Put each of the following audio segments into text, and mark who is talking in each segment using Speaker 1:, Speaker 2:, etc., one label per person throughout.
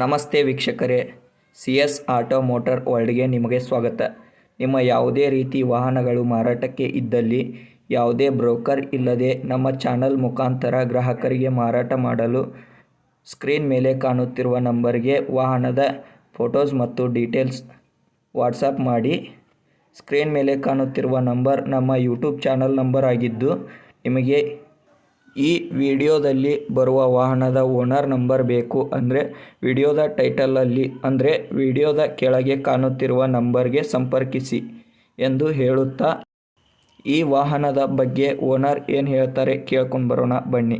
Speaker 1: ನಮಸ್ತೆ ವೀಕ್ಷಕರೇ, CS auto motor ವರ್ಲ್ಡ್ಗೆ ನಿಮಗೆ ಸ್ವಾಗತ. ನಿಮ್ಮ ಯಾವುದೇ ರೀತಿ ವಾಹನಗಳು ಮಾರಾಟಕ್ಕೆ ಇದ್ದಲ್ಲಿ ಯಾವುದೇ ಬ್ರೋಕರ್ ಇಲ್ಲದೆ ನಮ್ಮ ಚಾನಲ್ ಮುಖಾಂತರ ಗ್ರಾಹಕರಿಗೆ ಮಾರಾಟ ಮಾಡಲು ಸ್ಕ್ರೀನ್ ಮೇಲೆ ಕಾಣುತ್ತಿರುವ ನಂಬರ್ಗೆ ವಾಹನದ ಫೋಟೋಸ್ ಮತ್ತು ಡೀಟೇಲ್ಸ್ ವಾಟ್ಸಪ್ ಮಾಡಿ. ಸ್ಕ್ರೀನ್ ಮೇಲೆ ಕಾಣುತ್ತಿರುವ ನಂಬರ್ ನಮ್ಮ ಯೂಟ್ಯೂಬ್ ಚಾನಲ್ ನಂಬರ್ ಆಗಿದ್ದು, ನಿಮಗೆ ಈ ವಿಡಿಯೋದಲ್ಲಿ ಬರುವ ವಾಹನದ ಓನರ್ ನಂಬರ್ ಬೇಕು ಅಂದರೆ ವಿಡಿಯೋದ ಟೈಟಲಲ್ಲಿ ಅಂದರೆ ವಿಡಿಯೋದ ಕೆಳಗೆ ಕಾಣುತ್ತಿರುವ ನಂಬರ್ಗೆ ಸಂಪರ್ಕಿಸಿ ಎಂದು ಹೇಳುತ್ತಾ, ಈ ವಾಹನದ ಬಗ್ಗೆ ಓನರ್ ಏನು ಹೇಳ್ತಾರೆ ಕೇಳ್ಕೊಂಡು ಬರೋಣ ಬನ್ನಿ.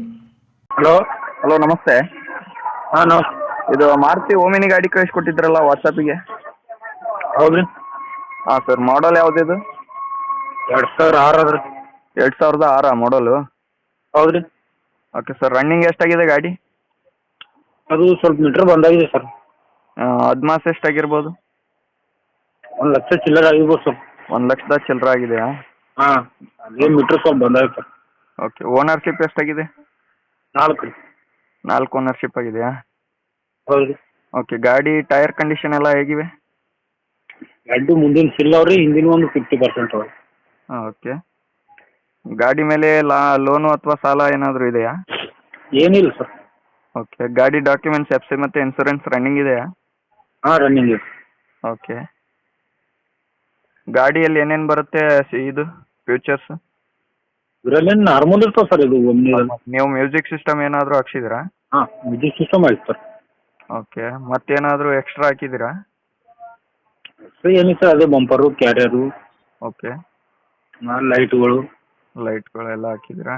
Speaker 2: ಹಲೋ ನಮಸ್ತೆ.
Speaker 3: ಹಾಂ ನಮಸ್ತೆ.
Speaker 2: ಇದು ಮಾರುತಿ ಓಮಿನಿ ಗಾಡಿ ಕಳಿಸ್ಕೊಟ್ಟಿದ್ರಲ್ಲ ವಾಟ್ಸಪ್ಪಿಗೆ?
Speaker 3: ಹೌದು ರೀ.
Speaker 2: ಹಾಂ ಸರ್, ಮಾಡಲ್ ಯಾವುದಿದು?
Speaker 3: 2006 ಅದ ರೀ.
Speaker 2: 2006 ಮಾಡಲು?
Speaker 3: ಹೌದು ರೀ.
Speaker 2: ಓಕೆ ಸರ್, ರನ್ನಿಂಗ್ ಎಷ್ಟಾಗಿದೆ ಗಾಡಿ?
Speaker 3: ಅದು ಸ್ವಲ್ಪ ಮೀಟ್ರ್ ಬಂದಾಗಿದೆ ಸರ್.
Speaker 2: ಅಡ್ವಾನ್ಸ್ ಎಷ್ಟಾಗಿರ್ಬೋದು?
Speaker 3: 1,00,000 ಚಿಲ್ಲರೆ ಆಗಿರ್ಬೋದು ಸರ್.
Speaker 2: 1,00,000 ಚಿಲ್ಲರೆ ಆಗಿದೆಯಾ?
Speaker 3: ಹಾಂ, ಅದೇ ಮೀಟ್ರ್ ಸ್ವಲ್ಪ ಬಂದಾಗಿದೆ ಸರ್.
Speaker 2: ಓಕೆ, ಓನರ್ಶಿಪ್ ಎಷ್ಟಾಗಿದೆ?
Speaker 3: 4 ರೀ.
Speaker 2: 4 ಓನರ್ಶಿಪ್ ಆಗಿದೆಯಾ?
Speaker 3: ಹೌದು ರೀ.
Speaker 2: ಓಕೆ, ಗಾಡಿ ಟೈರ್ ಕಂಡೀಷನ್ ಎಲ್ಲ ಹೇಗಿವೆ?
Speaker 3: ಎರಡು ಮುಂದಿನ ಸಿಲ್ ಅವ್ರಿ, ಹಿಂದಿನ ಒಂದು 50% ಅವ್ರಿ.
Speaker 2: ಹಾಂ, ಓಕೆ. ಗಾಡಿ ಮೇಲೆ ಲೋನು ಅಥವಾ ಸಾಲ ಏನಾದರೂ ಇದೆಯಾ?
Speaker 3: ಏನಿಲ್ಲ ಸರ್.
Speaker 2: ಓಕೆ, ಗಾಡಿ ಡಾಕ್ಯುಮೆಂಟ್ಸ್ FC ಮತ್ತು ಇನ್ಸೂರೆನ್ಸ್ ರನ್ನಿಂಗ್ ಇದೆಯಾ?
Speaker 3: ಹಾಂ, ರನ್ನಿಂಗ್ ಇದೆ.
Speaker 2: ಓಕೆ. ಗಾಡಿಯಲ್ಲಿ ಏನೇನು ಬರುತ್ತೆ ಇದು ಫ್ಯೂಚರ್ಸ್?
Speaker 3: ಇದರಲ್ಲೇನು ನಾರ್ಮಲ್ ಇರ್ತಾವೆ ಸರ್. ಇದು ಒಮ್ಮೆ
Speaker 2: ನೀವು ಮ್ಯೂಸಿಕ್ ಸಿಸ್ಟಮ್ ಏನಾದರೂ ಹಾಕ್ಸಿದ್ದೀರಾ?
Speaker 3: ಹಾಂ, ಮ್ಯೂಸಿಕ್ ಸಿಸ್ಟಮ್ ಆಯ್ತು ಸರ್.
Speaker 2: ಓಕೆ, ಮತ್ತೇನಾದರೂ ಎಕ್ಸ್ಟ್ರಾ ಹಾಕಿದ್ದೀರಾ?
Speaker 3: ಸರ್ ಏನಿಲ್ಲ ಸರ್, ಅದೇ ಬಂಪರು, ಕ್ಯಾರಿಯರು,
Speaker 2: ಓಕೆ,
Speaker 3: ಲೈಟ್ಗಳು.
Speaker 2: ಲೈಟ್ಗಳೆಲ್ಲ ಹಾಕಿದ್ದೀರಾ?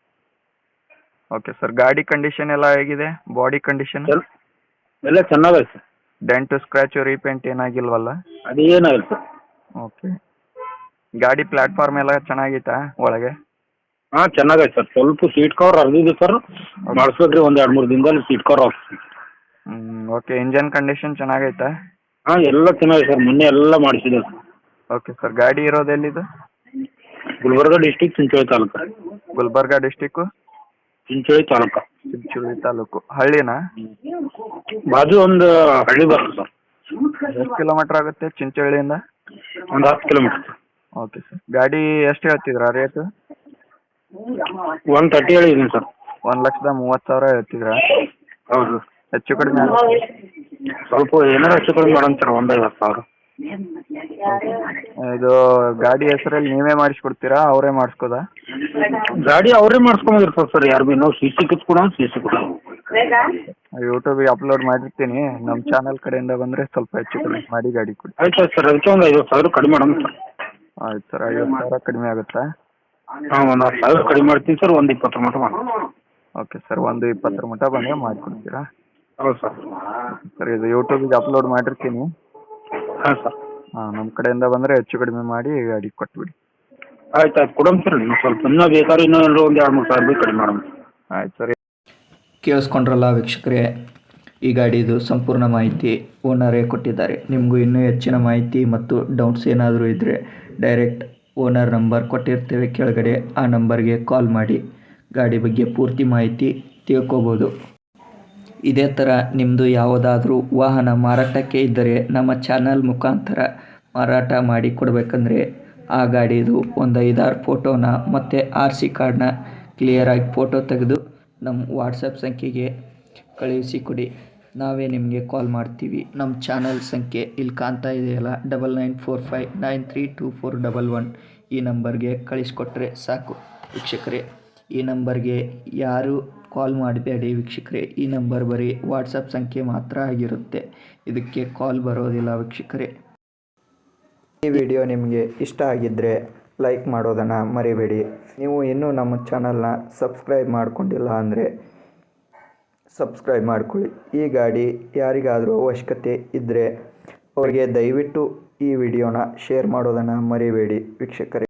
Speaker 2: ಓಕೆ ಸರ್, ಗಾಡಿ ಕಂಡೀಷನ್ ಎಲ್ಲ ಹೇಗಿದೆ? ಬಾಡಿ ಕಂಡೀಷನ್
Speaker 3: ಎಲ್ಲ ಚೆನ್ನಾಗೈತೆ ಸರ್.
Speaker 2: ಡೆಂಟು ಸ್ಕ್ರ್ಯಾಚು ರೀಪೇಂಟ್ ಏನಾಗಿಲ್ವಲ್ಲ?
Speaker 3: ಅದೇನಾಗಿಲ್ಲ ಸರ್.
Speaker 2: ಓಕೆ, ಗಾಡಿ ಪ್ಲಾಟ್ಫಾರ್ಮ್ ಎಲ್ಲ ಚೆನ್ನಾಗೈತಾ ಒಳಗೆ?
Speaker 3: ಹಾಂ, ಚೆನ್ನಾಗೈತೆ ಸರ್. ಸ್ವಲ್ಪ ಸೀಟ್ ಕವರ್ ಹರಿದಿದೆ ಸರ್, ಮಾಡಿಸ್ಬೇಕ್ರಿ. ಒಂದು 2-3 ದಿನದಲ್ಲಿ ಸೀಟ್ ಕವರ್ ಹಾಕ್ಸಿ.
Speaker 2: ಓಕೆ, ಇಂಜನ್ ಕಂಡೀಷನ್ ಚೆನ್ನಾಗೈತಾ?
Speaker 3: ಹಾಂ, ಎಲ್ಲ ಚೆನ್ನಾಗಿದೆ ಸರ್. ಮೊನ್ನೆ ಎಲ್ಲ ಮಾಡಿಸಿದೆ ಸರ್.
Speaker 2: ಓಕೆ ಸರ್, ಗಾಡಿ ಇರೋದು ಎಲ್ಲಿದು?
Speaker 3: ಗುಲ್ಬರ್ಗ ಡಿಸ್ಟಿಕ್, ಚಿಂಚೋಳಿ ತಾಲೂಕು.
Speaker 2: ಗುಲ್ಬರ್ಗ ಡಿಸ್ಟಿಕ್ಕು,
Speaker 3: ಚಿಂಚೋಳಿ ತಾಲೂಕು.
Speaker 2: ಚಿಂಚೋಳಿ ತಾಲೂಕು. ಹಳ್ಳಿನಾ?
Speaker 3: ಬಾಜು ಒಂದು ಹಳ್ಳಿ ಬರ್ತದೆ ಸರ್.
Speaker 2: ಎಷ್ಟು ಕಿಲೋಮೀಟ್ರ್ ಆಗುತ್ತೆ ಚಿಂಚೋಳಿಯಿಂದ?
Speaker 3: ಒಂದು 10 ಕಿಲೋಮೀಟ್ರ್.
Speaker 2: ಓಕೆ ಸರ್, ಗಾಡಿ ಎಷ್ಟು ಹೇಳ್ತಿದ್ರಾ ರೇಟು?
Speaker 3: 130 ಹೇಳಿದ್ದೀನಿ ಸರ್.
Speaker 2: 1,30,000 ಹೇಳ್ತಿದ್ರಾ?
Speaker 3: ಹೌದು.
Speaker 2: ಹೆಚ್ಚು ಕಡಿಮೆ
Speaker 3: ಸ್ವಲ್ಪ ಏನಾರು ಹೆಚ್ಚು ಕಡಿಮೆ ಮಾಡೋಣ ಸರ್. 50,000.
Speaker 2: ಇದು ಗಾಡಿ ಹೆಸರಲ್ಲಿ ನೀವೇ ಮಾಡಿಸ್ಕೊಡ್ತೀರಾ ಅವರೇ ಮಾಡಿಸ್ಕೋದಾ?
Speaker 3: ಗಾಡಿ ಅವರೇ ಮಾಡಿಸ್ಕೊಂಬಂದಿರ್ತಾರೆ ಸರ್. ಯಾರು ಭೀ ನಾವು CC ಕಿತ್ಕೊಡ CC ಕೊಡ.
Speaker 2: ಯೂಟ್ಯೂಬಿಗೆ ಅಪ್ಲೋಡ್ ಮಾಡಿರ್ತೀನಿ. ನಮ್ಮ ಚಾನಲ್ ಕಡೆಯಿಂದ ಬಂದರೆ ಸ್ವಲ್ಪ ಹೆಚ್ಚು ಕಡಿಮೆ ಮಾಡಿ ಗಾಡಿ ಕೊಡಿ.
Speaker 3: ಆಯ್ತು ಸರ್, ಅದಕ್ಕೆ ಒಂದು 50,000 ಕಡಿಮೆ ಮಾಡೋಣ ಸರ್.
Speaker 2: ಆಯ್ತು ಸರ್, 50,000 ಕಡಿಮೆ ಆಗುತ್ತಾ?
Speaker 3: ಹಾಂ, ಒಂದು 10,000 ಕಡಿಮೆ ಮಾಡ್ತೀನಿ ಸರ್. ಒಂದು 20 ಮಟ್ಟ ಮಾಡೋಣ.
Speaker 2: ಓಕೆ ಸರ್, ಒಂದು 20 ಮಟ್ಟ ಬಂದರೆ ಮಾಡಿಕೊಡ್ತೀರಾ?
Speaker 3: ಹೌದು ಸರ್.
Speaker 2: ಸರ್, ಇದು ಯೂಟ್ಯೂಬಿಗೆ ಅಪ್ಲೋಡ್ ಮಾಡಿರ್ತೀನಿ.
Speaker 3: ಹಾಂ ಸರ್.
Speaker 2: ಹಾಂ, ನಮ್ಮ ಕಡೆಯಿಂದ ಬಂದರೆ ಹೆಚ್ಚು ಕಡಿಮೆ ಮಾಡಿ ಗಾಡಿ ಕೊಟ್ಬಿಡಿ.
Speaker 3: ಆಯ್ತು ಆಯ್ತು, ಕೊಡೋಣ ಸರ್. ನೀವು ಸ್ವಲ್ಪ ಇನ್ನೂ ಬೇಕಾದ್ರೆ ಇನ್ನೂ ಒಂದು 2-3 ಸಾವಿರ ರೂಪಾಯಿ ಕಡಿಮೆ ಮಾಡೋಣ.
Speaker 2: ಆಯ್ತು ಸರ್.
Speaker 1: ಕೇಳಿಸ್ಕೊಂಡ್ರಲ್ಲ ವೀಕ್ಷಕರೇ, ಈ ಗಾಡಿದು ಸಂಪೂರ್ಣ ಮಾಹಿತಿ ಓನರೇ ಕೊಟ್ಟಿದ್ದಾರೆ. ನಿಮಗೂ ಇನ್ನೂ ಹೆಚ್ಚಿನ ಮಾಹಿತಿ ಮತ್ತು ಡೌಟ್ಸ್ ಏನಾದರೂ ಇದ್ದರೆ ಡೈರೆಕ್ಟ್ ಓನರ್ ನಂಬರ್ ಕೊಟ್ಟಿರ್ತೇವೆ ಕೆಳಗಡೆ, ಆ ನಂಬರ್ಗೆ ಕಾಲ್ ಮಾಡಿ ಗಾಡಿ ಬಗ್ಗೆ ಪೂರ್ತಿ ಮಾಹಿತಿ ತಿಳ್ಕೊಬೋದು. ಇದೇ ಥರ ನಿಮ್ಮದು ಯಾವುದಾದ್ರೂ ವಾಹನ ಮಾರಾಟಕ್ಕೆ ಇದ್ದರೆ ನಮ್ಮ ಚಾನಲ್ ಮುಖಾಂತರ ಮಾರಾಟ ಮಾಡಿ ಕೊಡಬೇಕಂದ್ರೆ ಆ ಗಾಡಿದು ಒಂದು 5-6 ಫೋಟೋನ ಮತ್ತು RC ಕಾರ್ಡ್ನ ಕ್ಲಿಯರಾಗಿ ಫೋಟೋ ತೆಗೆದು ನಮ್ಮ ವಾಟ್ಸಪ್ ಸಂಖ್ಯೆಗೆ ಕಳುಹಿಸಿಕೊಡಿ. ನಾವೇ ನಿಮಗೆ ಕಾಲ್ ಮಾಡ್ತೀವಿ. ನಮ್ಮ ಚಾನಲ್ ಸಂಖ್ಯೆ ಇಲ್ಲಿ ಕಾಣ್ತಾ ಇದೆಯಲ್ಲ, 9945932411, ಈ ನಂಬರ್ಗೆ ಕಳಿಸ್ಕೊಟ್ರೆ ಸಾಕು ವೀಕ್ಷಕರೇ. ಈ ನಂಬರ್ಗೆ ಯಾರು ಕಾಲ್ ಮಾಡಬೇಡಿ ವೀಕ್ಷಕರೇ. ಈ ನಂಬರ್ ಬರೀ ವಾಟ್ಸಪ್ ಸಂಖ್ಯೆ ಮಾತ್ರ ಆಗಿರುತ್ತೆ, ಇದಕ್ಕೆ ಕಾಲ್ ಬರೋದಿಲ್ಲ ವೀಕ್ಷಕರೇ. ಈ ವಿಡಿಯೋ ನಿಮಗೆ ಇಷ್ಟ ಆಗಿದ್ದರೆ ಲೈಕ್ ಮಾಡೋದನ್ನು ಮರಿಬೇಡಿ. ನೀವು ಇನ್ನೂ ನಮ್ಮ ಚಾನಲ್ನ ಸಬ್ಸ್ಕ್ರೈಬ್ ಮಾಡ್ಕೊಂಡಿಲ್ಲ ಅಂದರೆ ಸಬ್ಸ್ಕ್ರೈಬ್ ಮಾಡ್ಕೊಳ್ಳಿ. ಈ ಗಾಡಿ ಯಾರಿಗಾದರೂ ಅವಶ್ಯಕತೆ ಇದ್ದರೆ ಅವರಿಗೆ ದಯವಿಟ್ಟು ಈ ವಿಡಿಯೋನ ಶೇರ್ ಮಾಡೋದನ್ನು ಮರಿಬೇಡಿ ವೀಕ್ಷಕರೇ.